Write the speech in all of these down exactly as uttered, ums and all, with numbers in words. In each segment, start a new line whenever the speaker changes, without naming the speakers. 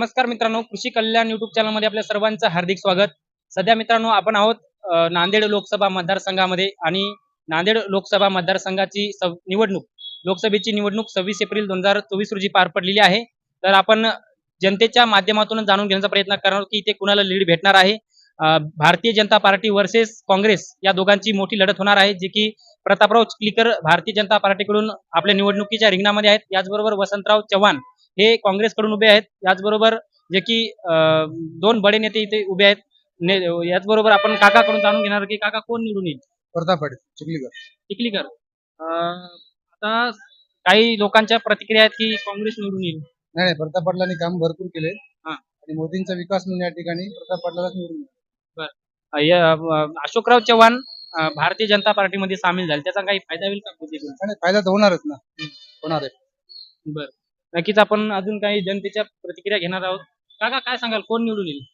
नमस्कार मित्रांनो, कृषी कल्याण युट्यूब चॅनलमध्ये आपल्या सर्वांचं हार्दिक स्वागत. सध्या मित्रांनो आपण आहोत अ, नांदेड लोकसभा मतदारसंघामध्ये आणि नांदेड लोकसभा मतदारसंघाची सव- निवडणूक लोकसभेची निवडणूक सव्वीस एप्रिल दोन हजार चोवीस रोजी पार पडलेली आहे. तर आपण जनतेच्या माध्यमातून जाणून घेण्याचा प्रयत्न करणार आहोत की इथे कुणाला लीड भेटणार आहे. अ, भारतीय जनता पार्टी वर्सेस काँग्रेस या दोघांची मोठी लढत होणार आहे, जे की प्रतापराव चिखलीकर भारतीय जनता पार्टीकडून आपल्या निवडणुकीच्या रिंगणामध्ये आहेत. याचबरोबर वसंतराव चव्हाण हे काँग्रेसकडून उभे आहेत. याचबरोबर जे की अ, दोन बडे नेते इथे उभे आहेत. ने याचबरोबर आपण काकाकडून जाणून घेणार की काका कोण निवडून येईल.
प्रताप चिखलीकर.
चिखलीकर. अ, आता काही लोकांच्या प्रतिक्रिया आहेत की काँग्रेस निवडून येईल.
नाही नाही, प्रताप पाटलांनी काम भरपूर केले
हा.
आणि मोदींचा विकास म्हणून या ठिकाणी प्रताप पाटलालाच निवडून दिलं.
अ, या- अ, अशोकराव चव्हाण अ, भारतीय जनता पार्टीमध्ये सामील झाले, त्याचा काही फायदा होईल का बीजेपीला?
नाही, नाही, फायदा तर होणारच ना. होणार आहे.
बरं. नक्कीच आपण अजून काही जनतेच्या प्रतिक्रिया घेणार आहोत. काका काय सांगाल, कोण निवडून येईल?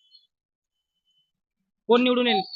कोण निवडून येईल?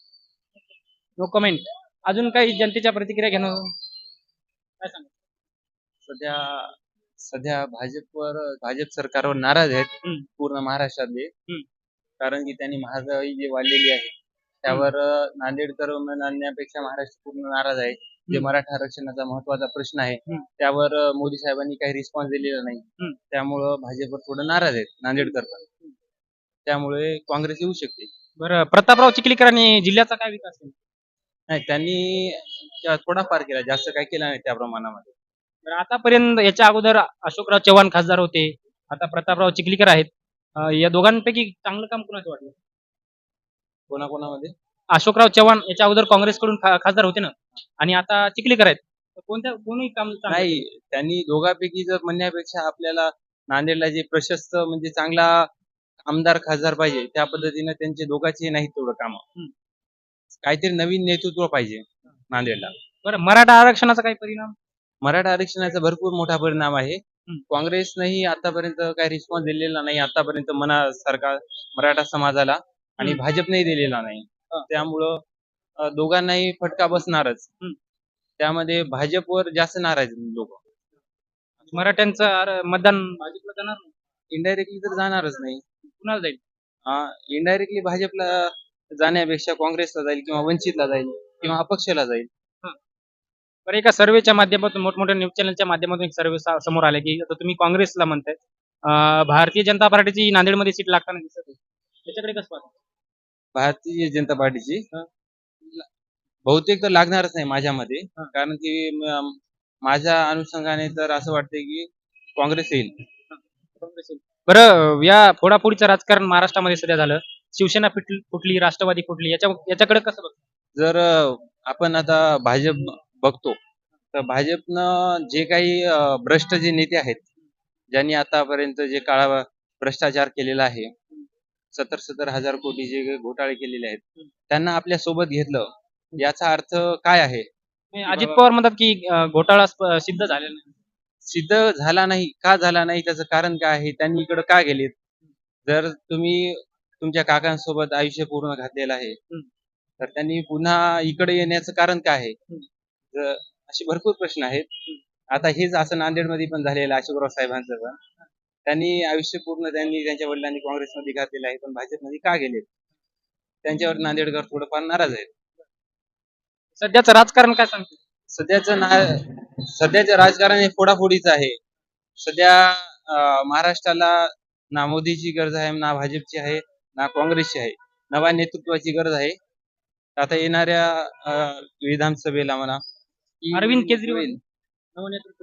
No comment. अजून काही जनतेच्या प्रतिक्रिया घेणार आहोत. काय सांगाल?
सध्या सध्या भाजपवर भाजप सरकारवर नाराज आहेत
हम्म.
पूर्ण महाराष्ट्रातले.
हम्म.
कारण की त्यांनी महागाई जी वाढलेली आहे त्यावर अं, नांदेडकर आणण्यापेक्षा महाराष्ट्र पूर्ण नाराज आहे. जे
हम्म.
मराठा आरक्षणाचा महत्वाचा प्रश्न आहे
हम्म.
त्यावर अं, मोदी साहेबांनी काही रिस्पॉन्स दिलेला नाही.
हम्म.
त्यामुळं भाजपवर थोडं नाराज आहेत नांदेडकर पण. त्यामुळे काँग्रेस येऊ शकते.
बरं, प्रतापराव चिखलीकरांनी जिल्ह्याचा काय विकास केला?
नाही, त्यांनी त्या- थोडाफार केला, जास्त काही केला नाही त्या प्रमाणामध्ये.
बरं, आतापर्यंत याच्या अगोदर अशोकराव चव्हाण खासदार होते, आता प्रतापराव चिखलीकर आहेत. अ, या दोघांपैकी चांगलं काम कोणाचं वाटलं?
कोणाकोणामध्ये
अशोकराव चव्हाण याच्या अगोदर काँग्रेसकडून खा- खासदार होते ना, आणि आता चिखलीकर आहेत. तर कोणत्या कोणी काम चांगलं
नाही,
केलं?
त्यांनी दोघांपैकी जर म्हणण्यापेक्षा आपल्याला नांदेडला जे प्रशस्त म्हणजे चांगला आमदार खासदार पाहिजे त्या पद्धतीने त्यांचे दोघांचे नाहीत तेवढं काम.
हम्म.
काहीतरी नवीन नेतृत्व पाहिजे नांदेडला.
बरं, मराठा आरक्षणाचा काही परिणाम?
मराठा आरक्षणाचा भरपूर मोठा परिणाम आहे.
हम्म.
काँग्रेसनेही आतापर्यंत काही रिस्पॉन्स दिलेला नाही आतापर्यंत मना सरकार मराठा समाजाला, आणि
हम्म.
भाजपनेही दिलेला नाही.
हा.
त्यामुळं अं, दोघांनाही फटका बसणारच.
हम्म.
त्यामध्ये भाजपवर जास्त नाराज लोक.
मराठ्यांचं आर- मतदान भाजपला जाणार नाही?
इनडायरेक्टली तर जाणारच नाही.
कुणाला जाईल?
इनडायरेक्टली भाजपला जाण्यापेक्षा काँग्रेसला जाईल किंवा वंचितला जाईल किंवा अपक्षला जाईल.
बरं, एका सर्वेच्या माध्यमातून, मोठमोठ्या न्यूज चॅनलच्या माध्यमातून एक सर्वे समोर आले की आता तुम्ही काँग्रेसला म्हणताय, अं, भारतीय जनता पार्टीची नांदेडमध्ये सीट लागताना दिसत आहे. त्याच्याकडे कसं पाहता?
भारतीय जनता पार्टीची
हा.
बहुतेक तर लागणारच नाही माझ्या मते.
हा.
कारण की म- माझ्या अनुषंगाने तर असं वाटतंय की काँग्रेस येईल.
काँग्रेस येईल. बरं, या फोडाफोडीचं राजकारण महाराष्ट्रामध्ये सध्या झालं. शिवसेना फुटली, फुटली, राष्ट्रवादी फुटली. याच्या याच्याकडे कसं बघता?
जर अं, आपण आता भाजप बघतो तर भाजपनं जे काही अं, भ्रष्ट जे नेते आहेत ज्यांनी आतापर्यंत जे काळा भ्रष्टाचार केलेला आहे, सत्तर सत्तर हजार कोटी जे घोटाळे केलेले आहेत त्यांना आपल्या सोबत घेतलं. याचा अर्थ काय आहे?
नाही, अजित पवार म्हणतात की अं, घोटाळा स्प- सिद्ध झालेला नाही.
सिद्ध झाला नाही. का झाला नाही त्याचं कारण काय आहे? त्यांनी इकडे का गेलेत? जर तुम्ही तुमच्या काकांसोबत आयुष्य पूर्ण घातलेलं आहे तर त्यांनी पुन्हा इकडे येण्याचं कारण काय आहे? तर असे भरपूर प्रश्न आहेत. आता हेच असं नांदेडमध्ये पण झालेलं आहे अशोकराव साहेबांचं पण. त्यांनी आयुष्य पूर्ण त्यांनी त्यांच्या वडिलांनी काँग्रेसमध्ये घातलेलं आहे, पण भाजपमध्ये का गेलेत? त्यांच्यावर नांदेडकर थोडंफार नाराज आहेत.
सध्याचं राजकारण काय सांगते?
सध्याचं ना सध्याचं राजकारण हे फोडाफोडीचं आहे. सध्या अं, महाराष्ट्राला ना मोदीची गरज आहे, ना भाजपची आहे, ना काँग्रेसची आहे. नव्या नेतृत्वाची गरज आहे. आता येणाऱ्या अं, विधानसभेला म्हणा की
अरविंद केजरीवाल
होईल.
नवनेतृत्व.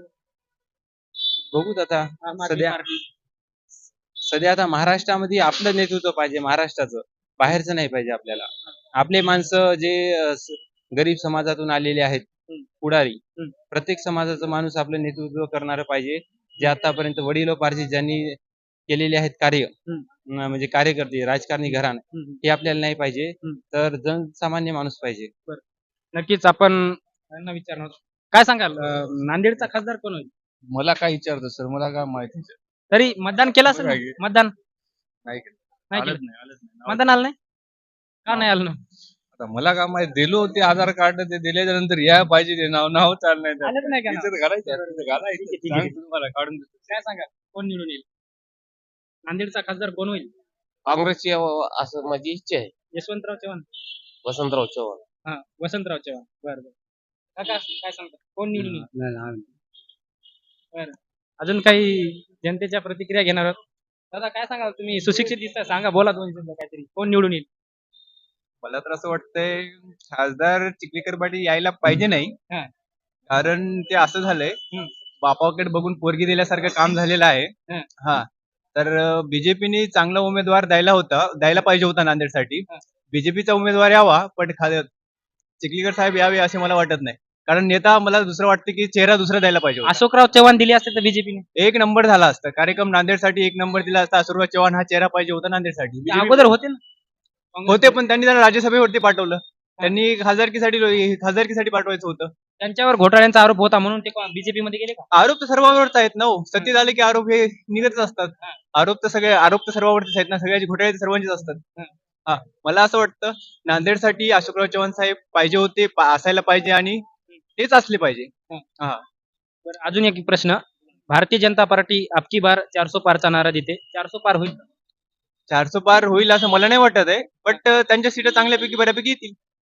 बघूत आता.
आम आदमी
सध्या
पार्टी.
सध्या आता महाराष्ट्रामध्ये आपलं नेतृत्व पाहिजे, महाराष्ट्राचं. बाहेरचं नाही पाहिजे आपल्याला. आपले माणसं जे अं, स- गरीब समाजातून आलेले आहेत
हम्म.
पुढारी,
हम्म.
प्रत्येक समाजाचा माणूस आपलं नेतृत्व करणारं पाहिजे. जे आतापर्यंत वडिलोपार्जित ज्यांनी केलेले आहेत कार्य,
हम्म.
अं, म्हणजे कार्यकर्ते राजकारणी घराणं,
हम्म.
हे आपल्याला नाही पाहिजे.
हम्म.
तर जनसामान्य माणूस पाहिजे.
नक्कीच आपण त्यांना विचारणार. काय सांगाल, अं, नांदेडचा खासदार कोण होईल?
मला काय विचारतो सर, मला काय माहिती
तरी मतदान केलं असेल ना?
बघा हे.
मतदान
नाही केलं.
नाही
आलंच
केलं.
नाही, आलंच नाही.
मतदान आलं नाही? का नाही आलं ना?
आता मला काय माहिती, दिलो होते आधार कार्ड, ते दिल्याच्या नंतर या पाहिजे ते नाव नाव चाललं नाही त्यात.
आलंच नाही का नाव?
इथं घालायचं, इथं घालायचं.
ठीक आहे, ठीक आहे.
सांग तुम्हाला काढून देतो.
काय सांगा, कोण निवडून येईल? नांदेडचा खासदार कोण होईल?
काँग्रेसची अ- असं माझी इच्छा आहे.
यशवंतराव चव्हाण.
वसंतराव चव्हाण.
हा वसंतराव चव्हाण. बरं बरं. काका काय सांगता कोण निवडून येईल? बरं. अजून काही जनतेच्या प्रतिक्रिया घेणार आहोत. दादा काय सांगाल तुम्ही सुशिक्षित दिसता सांगा बोला दोन शब्द काहीतरी कोण निवडून येईल?
मला तर असं वाटतंय खासदार चिखलीकर पाटील यायला पाहिजे नाही.
हा.
कारण ते असं झालंय
हम्म.
बापाकडे बघून पोरगी दिल्यासारखं काम झालेलं आहे.
हा.
हा तर बीजेपीने चांगला उमेदवार द्यायला होता द्यायला पाहिजे होता नांदेडसाठी.
हा.
बीजेपीचा उमेदवार यावा पण खा- चिखलीकर साहेब यावे असे मला वाटत नाही. कारण नेता मला दुसरं वाटतं की चेहरा दुसरा द्यायला पाहिजे होता.
अशोकराव चव्हाण दिले असते तर बीजेपीने
एक नंबर झाला असता कार्यक्रम नांदेडसाठी एक नंबर दिला असता. अशोकराव चव्हाण हा चेहरा पाहिजे होता नांदेडसाठी. BJP
अगोदर होते ना काँग्रेस
होते पण त्यांनी त्याला राज्यसभेवरती पाठवलं. त्यांनी खासदारकीसाठी खासदारकीसाठी पाठवायचं होतं.
त्यांच्यावर घोटाळ्यांचा आरोप होता म्हणून ते बीजेपी मध्ये गेले का?
आरोप तर सर्वांवरच आहेत ना हो. सत्तेत आले की आरोप हे निघतच असतात.
हा.
आरोप तर सगळे आरोप तर सर्वांवरतीच आहेत ना. सगळ्याची घोटाळे तर सर्वांचेच असतात.
हा.
हा मला असं वाटतं नांदेडसाठी अशोकराव चव्हाण साहेब पाहिजे होते पा- असायला पाहिजे आणि तेच असले पाहिजे.
बरं, अजून एक प्रश्न. भारतीय जनता पार्टी अबकी बार चारसो पारचा नारा देते. चारसो पार होईल का?
चारशे पार होईल असं मला नाही वाटत आहे. बट त्यांच्या सीटा चांगल्यापैकी बऱ्यापैकी येतील.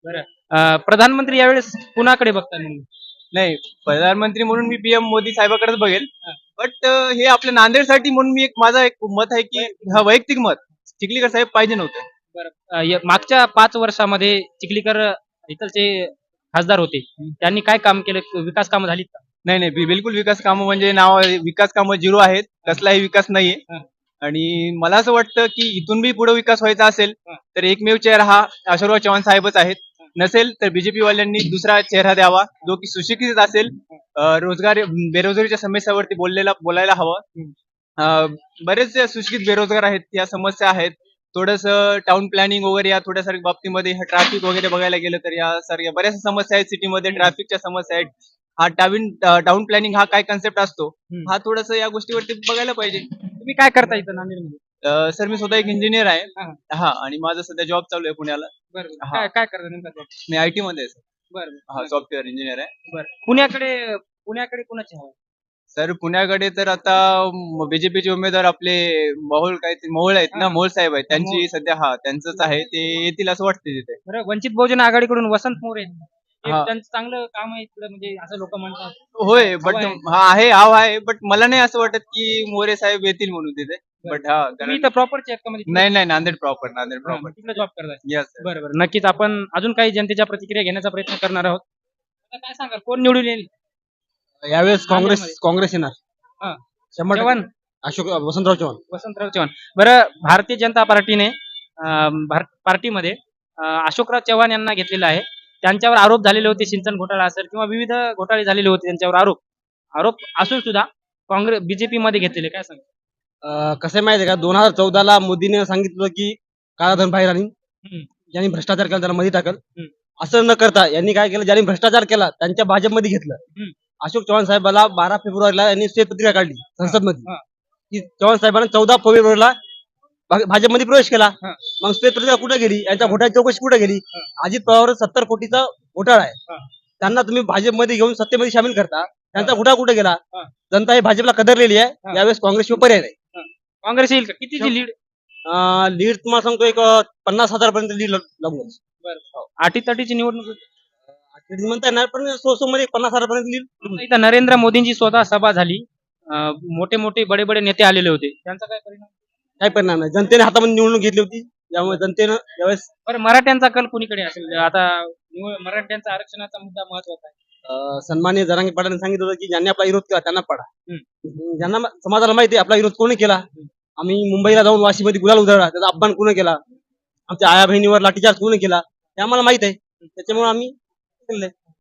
अं, प्रधानमंत्री यावेळेस कुणाकडे बघता नेमकं?
नाही प्रधानमंत्री म्हणून मी पीएम मोदी साहेबाकडेच बघेल.
हा.
बट हे आपल्या नांदेडसाठी म्हणून मी एक माझा एक मत आहे की हा वैयक्तिक मत चिखलीकर साहेब पाहिजे नव्हते.
अं, य- मागच्या पाच वर्षामध्ये चिखलीकर इथलचे खासदार होते. त्यांनी काय काम केलं? विकास कामं झालीत का?
नाही नाही बि- बिलकुल विकास कामं म्हणजे नाव विकास कामं झिरो आहेत. कसलाही विकास नाहीये.
हा.
आणि मला असं वाटतं की इथून बी पुढे विकास व्हायचा असेल
हा.
तर एकमेव चेहरा हा अशोकराव चव्हाण साहेबच आहेत. नसेल तर बीजेपी वाल्यांनी दुसरा चेहरा द्यावा जो की सुशिक्षित असेल. अं, रोजगार बेरोजगारीच्या समस्यावरती बोललेला बोलायला हवं. अं, बरेचसे सुशिक्षित बेरोजगार आहेत. या समस्या आहेत. थोडस टाउन प्लॅनिंग वगैरे या थोड्या साऱ्या बाबतीमध्ये ट्रॅफिक वगैरे बघायला गेलं तर या सारख्या बऱ्याचशा समस्या आहेत. सिटीमध्ये ट्रॅफिकच्या समस्या आहेत. हा टाविन टाउन प्लॅनिंग हा काय कन्सेप्ट असतो
हम्म.
हा थोडस या गोष्टीवरती बघायला पाहिजे.
तुम्ही काय करता इथं नांदेडमध्ये?
अं, सर मी स्वतः एक इंजिनियर आहे.
हा.
हा आणि माझं सध्या जॉब चालू आहे पुण्याला.
बरं
हा.
काय काय करता नेमका job?
मी आयटी मध्ये आहे सर.
बरं
हा
बरं.
सॉफ्टवेअर इंजिनियर आहे.
बरं पुण्याकडे पुण्याकडे कुणाचे हवं?
सर पुण्याकडे तर आता बीजेपीचे उमेदवार आपले मोहोळ काय ते मोहोळ आहेत ना
हा.
मोहोळ साहेब आहेत.
मोहोळ.
त्यांची सध्या हा त्यांचंच आहे. ते येतील असं वाटते तिथे.
बरं वंचित बहुजन आघाडीकडून वसंत मोरे आहेत. ते
हा.
त्यांचं चांगलं काम आहे इकडे म्हणजे असं लोक म्हणतात.
होय बट
हवा आहे.
हा आहे हाव आहे बट मला नाही असं वाटत की मोरे साहेब येतील म्हणून तिथे. बट हा
तुम्ही
कारण-
इथं प्रॉपरचे आहेत का म्हणजे
नाही नाही नांदेड प्रॉपर नांदेड प्रॉपर
तिकडे जॉब करताय?
यस
बरं बरं नक्कीच आपण अजून काही जनतेच्या प्रतिक्रिया घेण्याचा प्रयत्न करणार आहोत. आता काय सांगाल कोण निवडून येईल?
यावेळेस काँग्रेस
नांदेडमध्ये.
काँग्रेस येणार.
हा.
शंभर
चव्हाण
टक्के. अशोक वसंतराव चव्हाण.
वसंतराव चव्हाण. बरं भारतीय जनता पार्टीने अं, भार- पार्टीमध्ये अं, अशोकराव चव्हाण यांना घेतलेलं आहे. त्यांच्यावर आरोप झालेले होते सिंचन घोटाळा असेल किंवा विविध घोटाळे झालेले होते त्यांच्यावर आरोप आरोप असून सुद्धा काँग्रेस बीजेपी मध्ये घेतलेले काय सांगा?
अं, कसं आहे माहिती आहे का दोन हजार चौदाला मोदीने सांगितलं की काळाधन बाहेर आणि
हम्म.
ज्यांनी भ्रष्टाचार केला त्याला मध्ये टाकल.
हम्म.
असं न करता यांनी काय केलं ज्यांनी भ्रष्टाचार केला त्यांच्या भाजपमध्ये घेतलं.
हम्म.
अशोक चव्हाण साहेबाला बारा फेब्रुवारीला यांनी श्वेतपत्रिका काढली संसदमध्ये
हा.
की चव्हाण साहेबांना चौदा फेब्रुवारीला भा- भाजपमध्ये प्रवेश केला.
हा.
मग श्वेतपत्रिका कुठे गेली यांच्या घोटाळ्याची चौकशी कुठे गेली?
हा.
अजित पवार सत्तर कोटीचा घोटाळा आहे.
हा.
त्यांना तुम्ही भाजपमध्ये घेऊन सत्तेमध्ये सामील करता त्यांचा घोटाळा कुठे गेला?
हा.
जनता ही भाजपला कदरलेली आहे.
हा.
यावेळेस काँग्रेसशिवाय पर्याय नाही.
काँग्रेस येईल का? कितीची लीड?
लीड तुम्हाला सांगतो एक अं, पन्नास हजार पर्यंत लीड लागून
अटीतटीची निवडणूक होती.
म्हणता येणार पण सो सो मध्ये पन्नास हजार पर्यंत लीड.
इथं नरेंद्र मोदींची स्वतः सभा झाली. अं, मोठे मोठे बडे बडे नेते आलेले होते. त्यांचा काय परिणाम?
काय परिणाम नाही. जनतेने हातामध्ये निवडणूक घेतली होती त्यामुळे जनतेनं यावेळेस
बरं मराठ्यांचा कल कुणीकडे असेल? आता निवड- मराठ्यांचा आरक्षणाचा मुद्दा महत्वाचा आहे.
अं, सन्माननीय जरांगे पाटलांनी सांगितलं होतं की ज्यांनी आपला विरोध केला त्यांना पडा.
हम्म.
ज्यांना मा- समाजाला माहिती आहे आपला विरोध कोणी केला. आम्ही मुंबईला जाऊन वाशीमध्ये गुलाल उधळला त्याचा अपमान कोणी केला. आमच्या आया बहिणीवर लाठीचार्ज कोणी केला हे आम्हाला माहित आहे. त्याच्यामुळे आम्ही केलंय.